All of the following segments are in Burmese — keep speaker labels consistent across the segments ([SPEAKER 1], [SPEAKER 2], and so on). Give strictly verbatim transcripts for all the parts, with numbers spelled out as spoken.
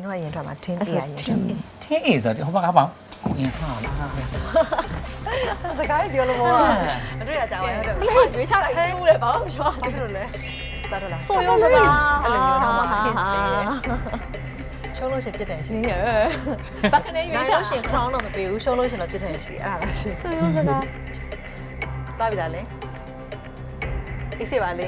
[SPEAKER 1] တို့ကရင်ထွက်မှာထင်းပြရရင်
[SPEAKER 2] ထင်းထင်းအေးဆိုတော့ဟိုဘက်ကပေါ့ကိုရင်ဟာလား
[SPEAKER 1] စကားပြောလို့မဟုတ်ဘူးအတွေ့အကြပါဟုတ်တယ်မလေးရွေးချလိုက်ကျူးတယ်ဘာမှမပြောဘူးလို့လဲတာတော့လားဆိုရုံးစကားအဲ့လိုမျိုးတော့မှ hints ပေးတယ်ရှုံးလို့ရှင်ပြစ်တယ်ရှင်ရဲ့ဘာကနေရွေးချလို့ရှင် crown တော့မပေးဘူးရှုံးလို့ရှင်တော့ပြစ်တယ်ရှင်အဲ့ဒါလားရှင်ဆိုရုံးစကားသွားပြီလားလဲအေးစေပါလေ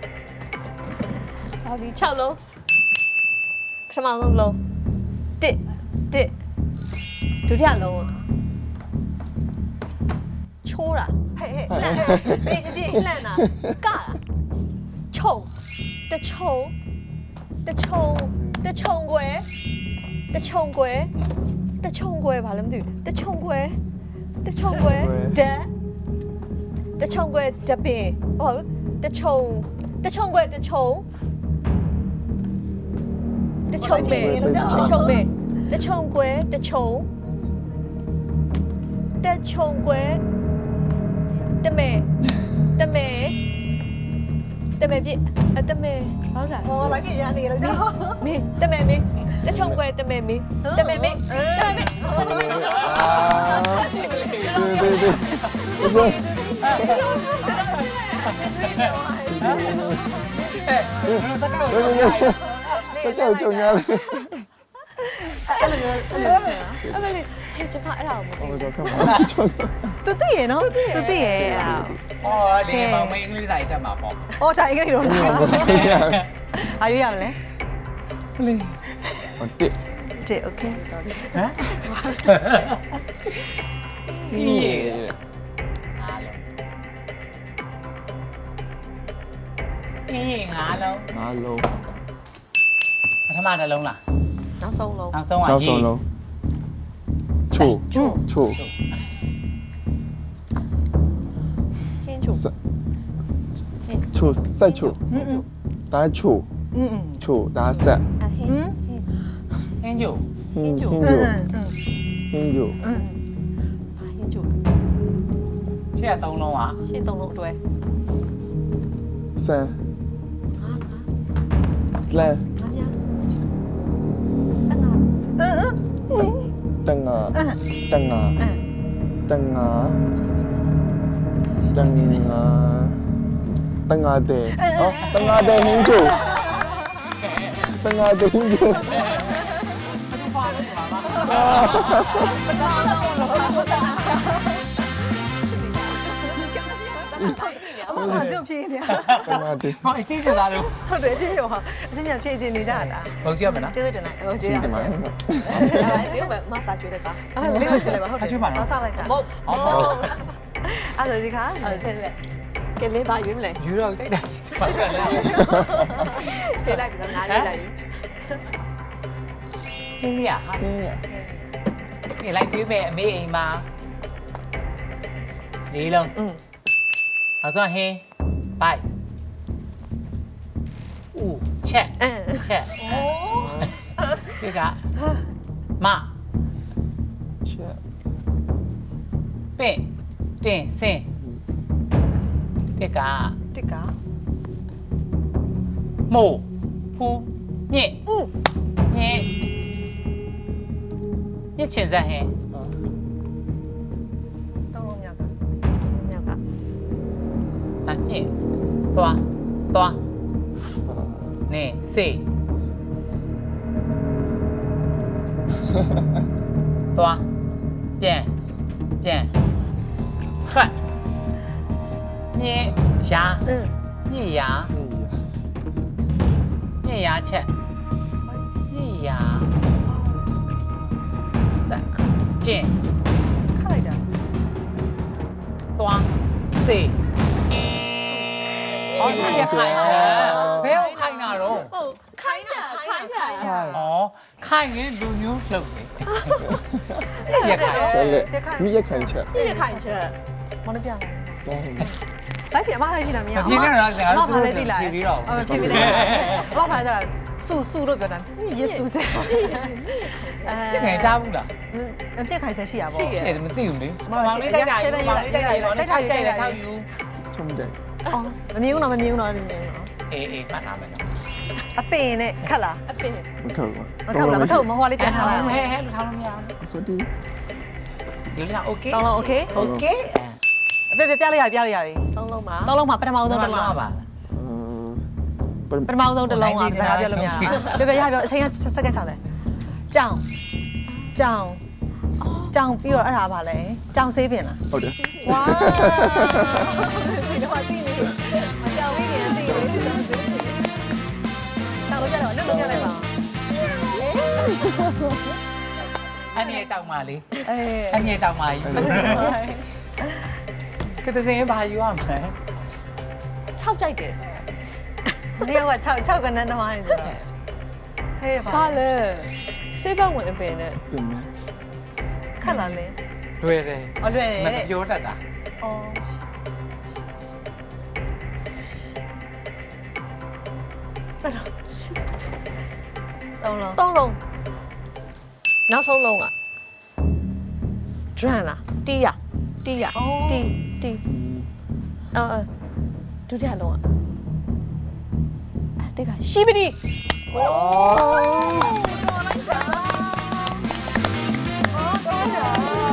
[SPEAKER 1] သွားပြီ၆လုံးပထမဆုံးလုံးတစ်တစ်ဒုတိယလုံးချိုးတာဟဲ့ဟဲ့လှန်ပြေးပြေးလှန်တာကတာချုံတချုံတချုံတချုံွယ်တချုံွယ်တချုံွယ်ဘာလဲမသိဘူးတချုံွယ်တချုံွယ်ဒက်တချုံွယ်တပင်ဟုတ်တချုံတချုံွယ်တချုံတချုံပင်တချုံပင်တချုံွယ်တချုံတချုံွယ်တမဲတမဲတမဲပြတမဲဟုတ်လားဟောလိုက်ပြရနေလို့ကြောက်မင်းတမဲမင်းတချုံွယ်တမဲမင်းတမဲမင်းတမဲမင်း
[SPEAKER 3] 这叫重要的。
[SPEAKER 1] အဲ့လိုမျိုးအဲ့လိုမျိုးအဲ့မလေးဟဲ့ကျမအဲ့ဒါကိုမသိ
[SPEAKER 3] 我就看嘛，
[SPEAKER 1] သူသိရနော်သူသိရအဲ့ဒါ
[SPEAKER 2] ဟောလေမောင်မင်းအင်္ဂလိပ်စာတက်မှာပေါ့
[SPEAKER 1] အော်ဒါအင်္ဂလိပ်တော့လားအာရွေးရမလဲ
[SPEAKER 2] လေ
[SPEAKER 3] 我对，
[SPEAKER 1] တစ်โอเค
[SPEAKER 2] ဟမ်အေးအားလုံးအေးငါလုံး
[SPEAKER 3] 拿楼，
[SPEAKER 2] ပထမတစ်လုံးလား
[SPEAKER 1] နောက်ဆုံးလုံး
[SPEAKER 2] နောက်ဆုံးက
[SPEAKER 3] 然后
[SPEAKER 2] ရေ
[SPEAKER 3] 手楼，处处
[SPEAKER 1] ဟင်းချို
[SPEAKER 3] 三，处赛处，
[SPEAKER 1] 嗯嗯
[SPEAKER 3] 打处
[SPEAKER 1] 嗯嗯
[SPEAKER 3] 处打赛，
[SPEAKER 1] အဟင်း
[SPEAKER 2] ဟင်းကျို
[SPEAKER 3] hindu
[SPEAKER 1] 嗯
[SPEAKER 3] hindu
[SPEAKER 1] 嗯
[SPEAKER 3] hindu
[SPEAKER 1] 嗯ဟင်းချို
[SPEAKER 2] ရှေ့ကသုံးလုံးอ่ะ
[SPEAKER 1] ရှင်းသုံးလုံးအတွဲ
[SPEAKER 3] 三
[SPEAKER 1] ဟာဟာ
[SPEAKER 3] 三
[SPEAKER 1] ငါပြတငါအင်းအင်း
[SPEAKER 3] 等啊等啊
[SPEAKER 1] အင်း
[SPEAKER 3] 等啊等啊等啊的，哦等啊的 hindu 等啊的 hindu。
[SPEAKER 1] အမကကြုတ်ပြေးနေတာ
[SPEAKER 3] 等啊的，
[SPEAKER 2] ဟောအချင်းချင်းသားလို့
[SPEAKER 1] ဟုတ်တယ်အချင်းချင်းပါအချင်းချင်းဖြည့်ချင်းနေကြတာ
[SPEAKER 2] ဘုံကြည့်ရမယ်နော်
[SPEAKER 1] ကျေးဇူးတင်လိုက်ဟိုကျေးရ
[SPEAKER 3] 听
[SPEAKER 1] တ
[SPEAKER 3] 见
[SPEAKER 1] ယ်
[SPEAKER 3] 吗？
[SPEAKER 1] အဲ့ဒါလေးပဲမဆာကျွေးလိုက်ပါအဲ့လေးပဲကျွေးလိုက်ပါဟုတ်တယ်တော့ဆောက်လိုက်တာမဟုတ်အဲ့ဒါဒီခါအဲ့ဆက်လက်ကဲလေးပါရွေးမလဲ
[SPEAKER 2] ယူတော့ကြိုက်တယ်ကျွန်တော်ကလည်း
[SPEAKER 1] ပြေးလိုက်ပြီးတော့ငါလေးလိုက်
[SPEAKER 2] ဟင်းရဟာ
[SPEAKER 3] 听见。
[SPEAKER 2] ဒီလိုက်ကျွေးမယ်အမေအိမ်မှာလေးလုံး
[SPEAKER 1] อืม
[SPEAKER 2] နောက်ဆုံးဟင်းဘိုက်ဦးချက်
[SPEAKER 1] အင်း
[SPEAKER 2] ချက်အိုးဒီကမ
[SPEAKER 3] 切，
[SPEAKER 2] ပင့်တင်စင်ဒီက
[SPEAKER 1] တစ်က
[SPEAKER 2] မို့ဖူးမြင့်
[SPEAKER 1] อืม
[SPEAKER 2] ညင်ညစ်ချင်စမ်းဟင်း
[SPEAKER 1] တောင်းလုံးမြောက်ကမြောက်က
[SPEAKER 2] အမြင့်သွားသွားနေစေသွားပြန်ပြန်ထွက်ညင်ရာ
[SPEAKER 1] อืม
[SPEAKER 2] ညစ်ရာညစ်ရာချက်ညစ်ရာစကျင်
[SPEAKER 1] ခလိုက်တာ
[SPEAKER 2] သွားစေဟောဒီရခိုင်ချက်ဘယ်ကိုခိုင်တာတော့
[SPEAKER 1] ဟုတ်ခိုင်းတာခိုင်းတာ
[SPEAKER 3] 嗨，
[SPEAKER 2] ဩခိုင်ရင်လူမျိုးလှုပ်နေရခိုင်
[SPEAKER 3] 这里，你也看切，
[SPEAKER 1] ပြည့်ခိုင်းချက်မနှပြလိုက်
[SPEAKER 3] 哦，
[SPEAKER 1] လိုက်ပြအမလိုက်ပြတာမရ
[SPEAKER 2] မဖြစ်နေတော့ငါတို့
[SPEAKER 1] ဘာလဲသိလား
[SPEAKER 2] ဖြေပြီးတော့
[SPEAKER 1] အော်ဖြေပြီးတယ်ဘာဖာလဲဆူဆူလို့ပြောတာယေဆူချက်
[SPEAKER 2] ပြငယ်ချဘူးလား
[SPEAKER 1] အပြက်ခိုင်ချက်ရှိရပါ
[SPEAKER 2] ရှေ့
[SPEAKER 1] ဘော
[SPEAKER 2] တယ်မသိဘူးလေမောင်လေးကြိုက်တာယူမောင်လေးကြိုက်တာယူတော့6ကြိုက်တယ်6ယူ
[SPEAKER 3] 冲的，
[SPEAKER 1] အော်မမြင်ဘူးတော့မမြင်ဘူးတော့မမြင်ဘူးတော့
[SPEAKER 2] အေးအေးပတ်လာမယ်နော်
[SPEAKER 1] အပင်နဲ့ခက်လားအပင်
[SPEAKER 3] မထောက်ပါ
[SPEAKER 1] မထောက်လားမထောက်မဟိုလေးပြန်ထားလိုက်
[SPEAKER 2] ဟဲဟဲလူထားလို့မရဘူး
[SPEAKER 3] ဆိုဒီ
[SPEAKER 2] ဒီလိုโอเค
[SPEAKER 1] တောင်းလုံးโอเค
[SPEAKER 2] โอเค
[SPEAKER 1] အပင်ပြလိုက်ရပြလိုက်ရပြီတောင်းလုံးမှာတောင်းလုံးမှာပထမဆုံးတစ်လုံး
[SPEAKER 2] ပါ
[SPEAKER 1] ပထမဆုံးတစ်လုံးကစကားပြောလို့မရဘူးပြပြရပြောအချိန်ကစက္ကန့်ချတယ်ကြောင်ကြောင်ကြောင်ပြီးတော့အဲ့ဒါပါလဲကြောင်ဆေးပင်လား
[SPEAKER 3] ဟုတ်တယ်
[SPEAKER 1] ဝါဒီတော့သိနေအကြောင်လေးနေသိနေတောင်းလို့ကြတော့လွတ်လို့ကြလိုက်ပါ
[SPEAKER 2] အဲ့ဒီအကြောင်းပါလေ
[SPEAKER 1] အေး
[SPEAKER 2] အဲ့ဒီအကြောင်းပါကြီးကတစင်းဘာယူရမလဲ
[SPEAKER 1] ၆ကြိုက်တယ်ဒီက၆၆ကနန်းသမားနေဆိုတော့ဟဲ့ပါလေစေးပတ်ဝင်အပင်နဲ့
[SPEAKER 3] ပြင်မယ်
[SPEAKER 1] ခက်လာလေ
[SPEAKER 2] လွယ်တယ်
[SPEAKER 1] အလွယ်တယ်
[SPEAKER 2] မ
[SPEAKER 1] တဲ့
[SPEAKER 2] ပြောတတ်တာ
[SPEAKER 1] အော်တောင်းလုံးတောင်းလုံးနောက်ဆုံးလုံးอ่ะ drum လားတီးရတီးရတီးတီးအော်ဒုတိယလုံးอ่ะအဲ့တက်ကရှိပတိဝါတော်လိုက်တာအော်တော်တာ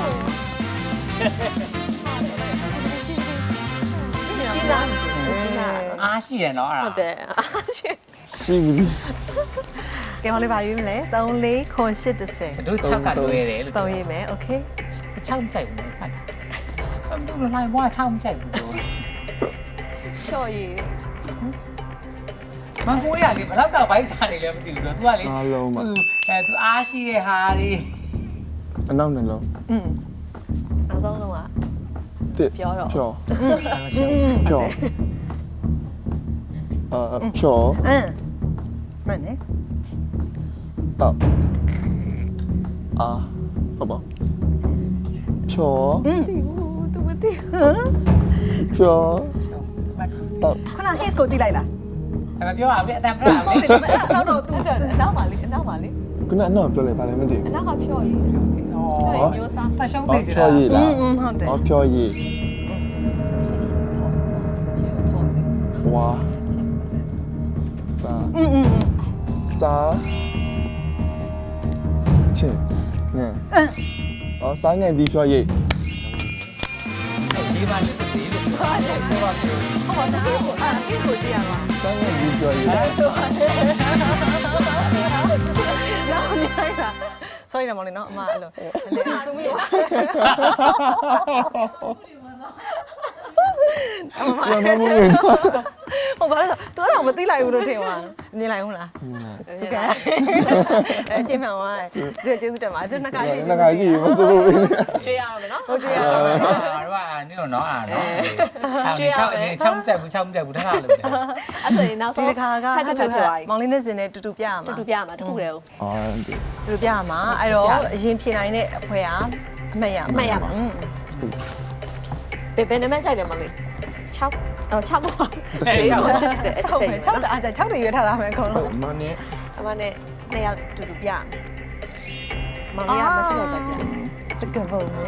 [SPEAKER 1] ကြီးလားကြီးလား
[SPEAKER 2] အားရှိရနော်အဲ့ဒါ
[SPEAKER 1] ဟုတ်တယ်အားရှိ
[SPEAKER 3] ရှိပြီ
[SPEAKER 1] ကဲမလေးပါရွေးမလဲ3 4 9 8 10
[SPEAKER 2] တို့ချက်ကလွယ်တယ်လို့
[SPEAKER 1] 3ရေးမယ်โอเค
[SPEAKER 2] ချောင်းကြိုက်ဘူးဖတ်တာဘယ်လိုလဲဘွားချောင်းကြိုက်ဘူး
[SPEAKER 1] ချော်ရေး
[SPEAKER 2] မဟိုးရလေဘယ်တော့တော့ဘိုက်စားနေလဲမသိဘူးတော့ तू ကလေ
[SPEAKER 3] အားလုံးပါ
[SPEAKER 2] အဲ तू အားရှိတဲ့ဟာတွေ
[SPEAKER 3] အနောက်နှလုံး
[SPEAKER 1] อืมနောက်ဆုံးလုံးက
[SPEAKER 3] တစ်
[SPEAKER 1] ပြောတော့
[SPEAKER 3] ဖြောဖြောအာဖြော
[SPEAKER 1] အင်းမှန်နေ
[SPEAKER 3] တော့အာဟုတ်ပါဖြော
[SPEAKER 1] อืมသူမသိ
[SPEAKER 3] ဖြောတော့
[SPEAKER 1] ခဏ hits ကိုတိလိုက်လား
[SPEAKER 2] အဲ့မပြောရဘူးအတန်ပြတာလေ
[SPEAKER 1] နောက်တော့သူအနောက်ပါလေအနောက်ပါလေ
[SPEAKER 3] ခုနအနောက်ပြောလိုက်ပါလေမသိဘူး
[SPEAKER 1] အနောက်ကဖြော်ရေး
[SPEAKER 2] ဩ
[SPEAKER 1] မျိုးစား
[SPEAKER 2] ဖတ်ရှုံး
[SPEAKER 3] အော်
[SPEAKER 2] သေးချင်
[SPEAKER 3] ဖြော
[SPEAKER 2] တာ
[SPEAKER 3] ရည်လား
[SPEAKER 1] อืมဟုတ်တယ်
[SPEAKER 3] အော်ဖြောရည်
[SPEAKER 1] ရှင်းရှင်းပေါ့ရှင်းပေါ့စေ
[SPEAKER 3] ဝါစာ
[SPEAKER 1] อืมอืม
[SPEAKER 3] စာချင်းငါအော်စာငယ်ဒီဖြောရည်
[SPEAKER 2] ဒီမှာရှိသေးလို့ပြောတာပြောပါပြော
[SPEAKER 1] ဟုတ်ပါဘူးအာ hits ကိုကြည့်ရမှာ
[SPEAKER 3] စာငယ်ဒီဖြောရည်
[SPEAKER 1] နောက်မြိုင်တာ sorry နော်မောင်လေးနော်အမအဲ့လိုလေစုမိပါ
[SPEAKER 3] စာမမဝင်
[SPEAKER 1] ဟိုဘာလဲသူကတော့မသိလိုက်ဘူးလို့ထင်ပါမြင်လိုက်ဘူးလားစုကဲအဲကျင်းမှန်ပါကျေးကျေးဇူးတင်ပါကျွန်တော်ကရှိ
[SPEAKER 3] ငါကရှိမစိုးဘူး
[SPEAKER 1] ကျွေးရအောင်နော်ဟုတ်ကျွေးရအောင်
[SPEAKER 2] တော့အာနေတော့နော်အာနော်အဲ့ချောင်းချောင်းကြက်ဘူးချောင်းကြက်ဘူးတခါလို့တယ်
[SPEAKER 1] အဲ့ဒါနောက်ဆုံးဒီတစ်ခါကဟတ်တူဟတ်မောင်လေးနဲ့စင်နဲ့တူတူပြရမှာတူတူပြရမှာတခုတည်းကို
[SPEAKER 3] အော်ဒီ
[SPEAKER 1] တူတူပြရမှာအဲ့တော့အရင်ဖြေနိုင်တဲ့အဖွဲကအမှတ်ရမှာအမှတ်ရမှာဘယ်ဘယ်နံပါတ်ကြိုက်တယ်မောင်လေး6အော်6ပါ
[SPEAKER 2] အဲ့ချောင်း
[SPEAKER 1] 6တအား6တရွေးထားတာမယ်အကုန်လုံး
[SPEAKER 3] မနဲ့
[SPEAKER 1] အမနဲ့နှစ်ယောက်တူတူပြမောင်လေးကမစတော့တက်ပြစကပုံနဲ့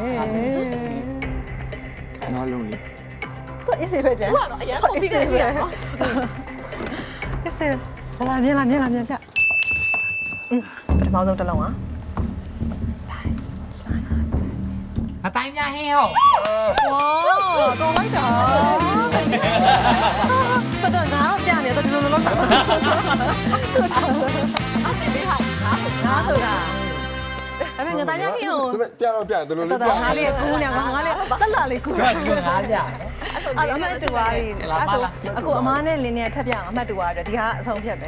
[SPEAKER 3] ငါလုံးလေး
[SPEAKER 1] သူအစ်စေပဲကျန်သူကတော့အရင်ပုံပြီးနေပြီနော်အစ်စေလာမြင်လာမြင်လာမြင်ပြอืมပထမဆုံးတစ်လုံးอ่ะ
[SPEAKER 2] အတိုင်းများဟင်းဟော
[SPEAKER 1] ဝါတော်လိုက်တာပတ်တော့ငါတော့ပြနေတော့ဒီလိုလိုလောက်တာအဲ့ဒီလေးဟာငါငါဆိုတာအဲ့မဲ့ငါတိုင်းများဟင်းကို
[SPEAKER 3] ပြတော့ပြတယ်လို့
[SPEAKER 1] တော်
[SPEAKER 3] လေး
[SPEAKER 1] တော်ငါလေးကူးနေငါငါလေးတက်လာလေးကူး
[SPEAKER 2] ကျွတ်ကျွတ်ငါးကြ
[SPEAKER 1] အဲ့တော့အမတ်တူပါပြီအခုအမားနဲ့လင်းနဲ့ထပ်ပြအောင်အမတ်တူပါအတွက်ဒီဟာအဆုံးဖြတ်ပဲ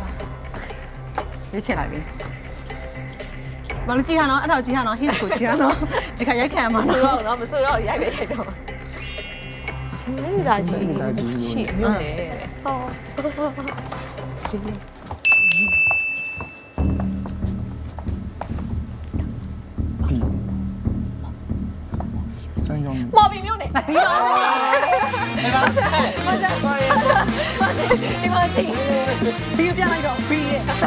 [SPEAKER 1] ရွေးချယ်လိုက်ပြီမလို့ကြည့်ဟာနော်အဲ့တော့ကြည့်ဟာနော် hits ကိုကြည့်ဟာနော်ဒီခါရိုက်ခံရမှာဆိုတော့နော်မဆိုတော့ရိုက်ပဲရိုက်တော့လေးလာကြီးရှိမြို့နယ်ဟော
[SPEAKER 3] စမ်းရောင်း
[SPEAKER 1] မော်ဘီမြို့နယ်ပြီးတော့မကြပါရဲ့ဒီမှာကြည့်ဘီပြလိုက်တော့ဘီရဲ့
[SPEAKER 2] အဲ့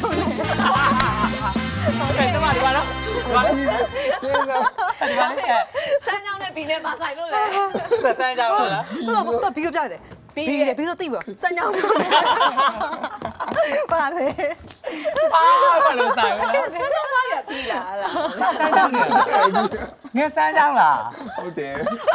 [SPEAKER 2] တော့ဒီကတော့ဒီက
[SPEAKER 3] ကျေးဇူး
[SPEAKER 2] ဒီကလည်း
[SPEAKER 1] စမ်းကြောင်းနဲ့ဘီနဲ့မဆိုင်လို့လေ
[SPEAKER 2] စမ်းကြပါလား
[SPEAKER 1] ဟုတ်တော့ဘီကိုပြလိုက်တယ်ဘီရဲ့ဘီဆိုသိပြီစမ်းကြောင်းပါလေ
[SPEAKER 2] ဘာဘာလို့ဆိုင်လဲ
[SPEAKER 1] စမ်းတော့ပါရပြီလားလား
[SPEAKER 2] စမ်းကြောင်းနေငါစမ်းကြောင်းလား
[SPEAKER 3] ဟုတ်တယ်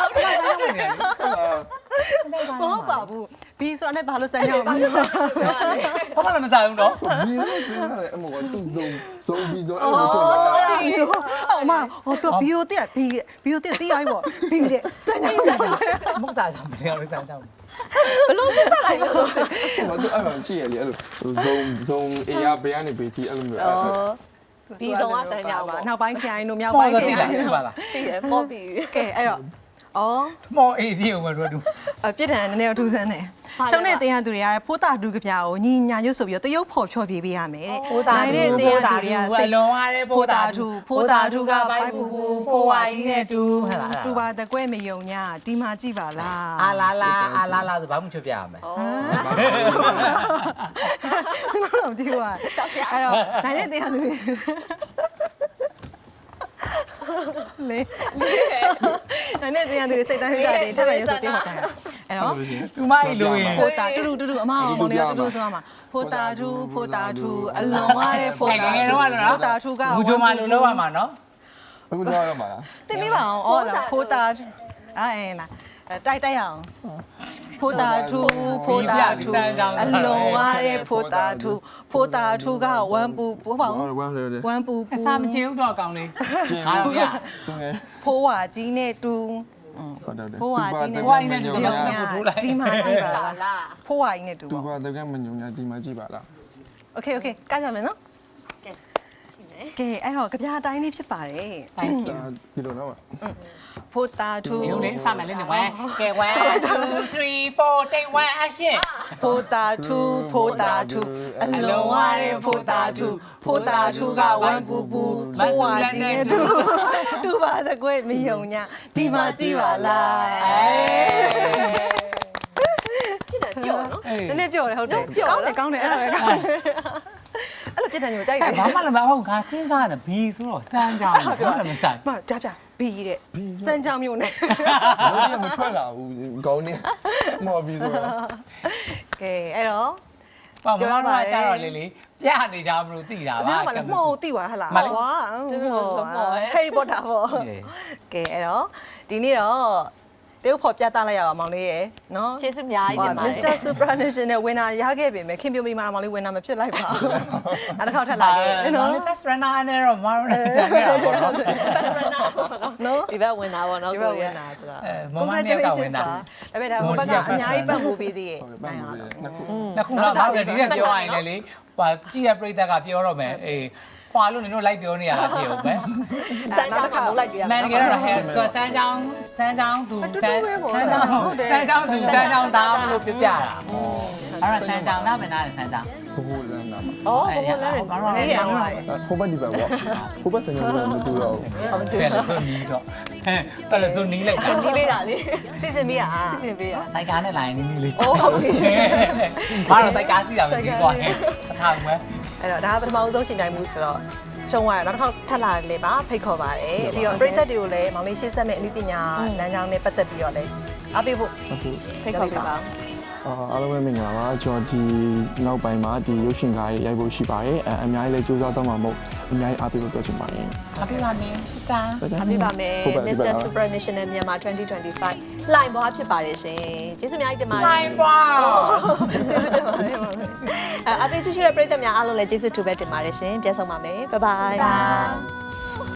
[SPEAKER 1] မဟုတ်ပါဘူးဘီဆိုတာနဲ့ဘာလို့စမ်းကြအောင်လဲ
[SPEAKER 2] ဘာမှလည်းမဆိုင်ဘူးတော့
[SPEAKER 3] ဒီလိုစဉ်းစားတယ်အမေကသူ့ဇုံဇုံပြီးဇုံအဲ့
[SPEAKER 1] အော်
[SPEAKER 3] လိုဖြစ်လာ
[SPEAKER 1] sorry အော်မဟိုတော့ဘီယိုတက်ဘီဘီယိုတက်တီးရိုက်ပေါ့ဘီတဲ့စမ်းကြအောင်စမ်းကြအောင်
[SPEAKER 2] မဟုတ်စားတာမင်းလည်းစမ်းကြောင်း
[SPEAKER 1] ဘလို့ဆက်ဆက်လိုက်လို့
[SPEAKER 3] ဘာသူအဲ့လိုရှိရလေအဲ့လိုဇုံဇုံအေးရဘယ်ကနေဘေးတီအဲ့လိုမျိုးအဲ့
[SPEAKER 1] ဘီဆုံးကစမ်းကြအောင်ပါနောက်ပိုင်းခိုင်းတို့မြောက်
[SPEAKER 2] ပေါ်
[SPEAKER 1] ပိုင်း
[SPEAKER 2] တော့
[SPEAKER 1] ခို
[SPEAKER 2] တိ
[SPEAKER 1] င်း
[SPEAKER 2] လာဒီပါလား
[SPEAKER 1] တည်ရပေါ့ဘီကဲအဲ့တော့အော်
[SPEAKER 2] မော်အေးပြေဦးမလို့တူ
[SPEAKER 1] အပြစ်ဒဏ်နည်းနည်းတော့ထူးဆန်းတယ်ရှုံးတဲ့တင်ရသူတွေကဖိုးတာဒုကပြာကိုညီညာရွတ်ဆိုပြီးတော့တရုပ်ဖော်ဖြောပြပေးရမယ်တဲ့နိုင်တဲ့တင်ရသူတွေကစိတ်
[SPEAKER 2] လုံးရတဲ့
[SPEAKER 1] ဖိုးတာထူဖိုးတာထူကဘိုက်ပူပူဖိုးဝါကြီးနဲ့တူတူပါတကွဲ့မယုံညာဒီမှာကြည့်ပါလား
[SPEAKER 2] အာလာလာအာလာလာဆိုဘာမှချွတ်ပြရမယ်
[SPEAKER 1] ဟုတ်ဒီကွာအဲ့တော့နိုင်တဲ့တင်ရသူတွေလေနိုင်တဲ့တင်ရသူတွေစိတ်တိုင်းကြတယ်ထပ်ပဲရွတ်ဆိုတင်ပါတာအဲ့တော့
[SPEAKER 2] သူမကြီးလိုရင်
[SPEAKER 1] ဖိုတာတူတူတူတူအမအောင်မောင်လေးတူတူဆိုမှာဖိုတာတူဖိုတာတူအလွန်ရတဲ့ဖိုတာတူဖိုတာတူက
[SPEAKER 2] ဘူးချိုမလိုလောက်ရမှာနော်
[SPEAKER 3] အခုတော့ရမှာလား
[SPEAKER 1] တင်ပြပါအောင်အော်လားဖိုတာအဲလားတိုက်တိုက်အောင်ဖိုတာတူဖိုတာတူအလွန်ရတဲ့ဖိုတာတူဖိုတာတူကဝမ်ပူပူပေါ့
[SPEAKER 3] ဟုတ်ဝမ်းလေ
[SPEAKER 1] ဝမ်ပူပူ
[SPEAKER 2] အစာမချင်ဘူးတော့အကောင်လေး
[SPEAKER 3] ကျင်း
[SPEAKER 2] ငါတော့ရ
[SPEAKER 3] သူငယ်
[SPEAKER 1] ဖိုးဝါကြီးနဲ့တူ
[SPEAKER 3] ဟုတ်တယ်
[SPEAKER 1] ဖိုးဝါကြီးနဲ့
[SPEAKER 2] ဘွားကြီးနဲ့တူတော့ဆက်ဖို့ထိုးလိုက်
[SPEAKER 1] ဒီမှာကြည့်ပါလားဖိုးဝါကြီးနဲ့တူ
[SPEAKER 3] သူ
[SPEAKER 1] ပေါ့
[SPEAKER 3] ပါတကယ်မညုံညာဒီမှာကြည့်ပါလား
[SPEAKER 1] โอเคโอเคကကြမယ်နော်ကဲအဲ့တော့ကြပြားတိုင်းလေးဖြစ်ပါတယ်
[SPEAKER 2] Thank you
[SPEAKER 3] ဒီလိုတော့
[SPEAKER 1] ဖိုတာထူ
[SPEAKER 2] ဒီလိုလေးစမယ်လေးနေဝဲကဲ1 2 3 4 take one action
[SPEAKER 1] ဖိုတာထူဖိုတာထူအလုံးဝတဲ့ဖိုတာထူဖိုတာထူကဝမ်ပူပူဖိုးဝါကြီးနဲ့တူတူပါသကွဲ့မယုံညာဒီမှာကြည့်ပါလားဖြစ်တယ်ပြောနော်နည်းနည်းပြောတယ်ဟုတ်တယ်ကောင်းတယ်ကောင်းတယ်အဲ့လိုပဲကောင်းတယ်အဲ့လိုจิตတယ်မျိုးကြိုက်တယ်
[SPEAKER 2] ဘာမှလည်းမဟုတ်ငါစဉ်းစားတယ်ဘီဆိုတော့စမ်းကြောင်းဘာမှလည်းမဆိုင်
[SPEAKER 1] မပြပြဘီတဲ့စမ်းချောင်းမျိုးနဲ့
[SPEAKER 3] ဘာလို့မထွက်လာဘူးကောင်းနေမော်ပြီးဆိုတော့
[SPEAKER 1] ကဲအဲ့တော့
[SPEAKER 2] ဘာမှမကြတော့လေလေပြနေကြမလို့သိတာ
[SPEAKER 1] အစ
[SPEAKER 2] ပါ
[SPEAKER 1] င်းကလည်းမှုံသိသွားဟလား
[SPEAKER 2] မလေး
[SPEAKER 1] ဟွာ
[SPEAKER 4] တူတူကမော်ဟဲ့
[SPEAKER 1] ဟဲ့ဘောတာပေါ့ကဲအဲ့တော့ဒီနေ့တော့တေးဖို့ပြသလိုက်ရအောင်မောင်လေးရယ်နော်
[SPEAKER 4] ကျေးဇူးအများကြီးတင်ပါတ
[SPEAKER 1] မ
[SPEAKER 4] ယ်
[SPEAKER 1] စ္စတာ Supranational winner ရခဲ့ပြီမယ်ခင်ပြိုမိမာမောင်လေး winner မဖြစ်လိုက်ပါဘူးနောက်တစ်ခေါက်ထပ်လာခဲ့နော်
[SPEAKER 2] first runner နဲ့တော့မရကြခဲ့တာပေါ့နော်
[SPEAKER 4] first runner
[SPEAKER 1] နော်
[SPEAKER 4] ဒီဘက်ဝင်တာပေါ့နော်
[SPEAKER 1] ဒီဘက် winner ဆိုတာ
[SPEAKER 2] အဲမမနဲ့ကဝင်တာ
[SPEAKER 1] ဒါပေမဲ့ဒါဘက်ကအများကြီးပတ်မှုပေးသေးရဲ့
[SPEAKER 3] ဟုတ်ကဲ့ပတ်မှုလေးနှစ်ခု
[SPEAKER 2] နှစ်ခုတော့တော့ဒီနဲ့ပြောရရင်လေလေဟိုကြည့်ရပြိတက်ကပြောတော့မယ်အေးခွာလို့နင်တို့လိုက်ပြောနေရတာပြေဦးပဲ
[SPEAKER 4] စမ်းကြောင်းမှာလိုက်ပြရ
[SPEAKER 2] မန်တကယ်တော့ဟဲဆိုစမ်းချောင်းစမ်းချောင်းသူစမ်းစမ်းချောင်းစမ်းချောင်းသူစမ်းချောင်းသားမလို့ပြပြတာအဲ့တော့စမ်းချောင်းသားမနာတယ်စမ်းချောင်း
[SPEAKER 3] ဟိုဟိုလမ်းနာမှာ
[SPEAKER 4] အော်ဘယ်လိုလဲ
[SPEAKER 2] ဘာလို့လဲရောင်းလာ
[SPEAKER 3] ဟိုဘက်ဒီဘက်ပေါ့ဟိုဘက်စံရုံးမတူတော့
[SPEAKER 2] ဟုတ်တယ်လေဆိုနီးတော့ဟဲ့တယ်လေဆိုနီးလိုက်တာ
[SPEAKER 4] ဒီပေးတာလေ
[SPEAKER 1] စီစဉ်ပေးရဟာ
[SPEAKER 4] စီစဉ်ပေးတာ
[SPEAKER 2] စိုက်ကားနဲ့လာရင်နီးနီးလေး
[SPEAKER 1] အိုးဟုတ်ပြီ
[SPEAKER 2] ဘာလို့စိုက်ကားစီးတာပဲစီးသွားတယ်အထောင်ပဲ
[SPEAKER 1] အဲ့တော့ဒါကပထမဦးဆုံးရှင်ပြိုင်မှုဆိုတော့ရှုံးသွားတယ်နောက်တစ်ခေါက်ထပ်လာတယ်လေပါဖိတ်ခေါ်ပါတယ်ပြီးတော့ပရိသတ်တွေကိုလည်းမောင်လေးရှင်းဆက်မဲ့အနည်းပညာလမ်းကြောင်းနဲ့ပတ်သက်ပြီးတော့လည်းအားပေးဖို့
[SPEAKER 3] အခု
[SPEAKER 4] ဖိတ်ခေါ်ပေးပါ
[SPEAKER 3] အာအားလုံးပဲမင်္ဂလာပါကျွန်တော်ဒီနောက်ပိုင်းမှာဒီရုပ်ရှင်ကားတွေရိုက်ဖို့ရှိပါတယ်အဲအများကြီးလည်းကြိုးစားတော့မှာမဟုတ်အများကြီးအားပေးဖို့ပြောချင်ပါတယ်
[SPEAKER 2] အပြည့်ပါမင်းတာ
[SPEAKER 1] အားပေးပါမယ် မစ္စတာ Supranational မြန်မာtwenty twenty-five လှိုင်ဘွားဖြစ်ပါတယ်ရှင်ကျေးဇူးအများကြီးတင်ပါတယ်
[SPEAKER 2] ဖိုင်ပွား
[SPEAKER 1] ကျေးဇူးတင်ပါတယ်အားပေးချစ်တဲ့ပရိသတ်များအားလုံးလည်းကျေးဇူးတူပဲတင်ပါတယ်ရှင်ပြန်ဆောင်ပါမယ်ဘိုင်ဘိုင်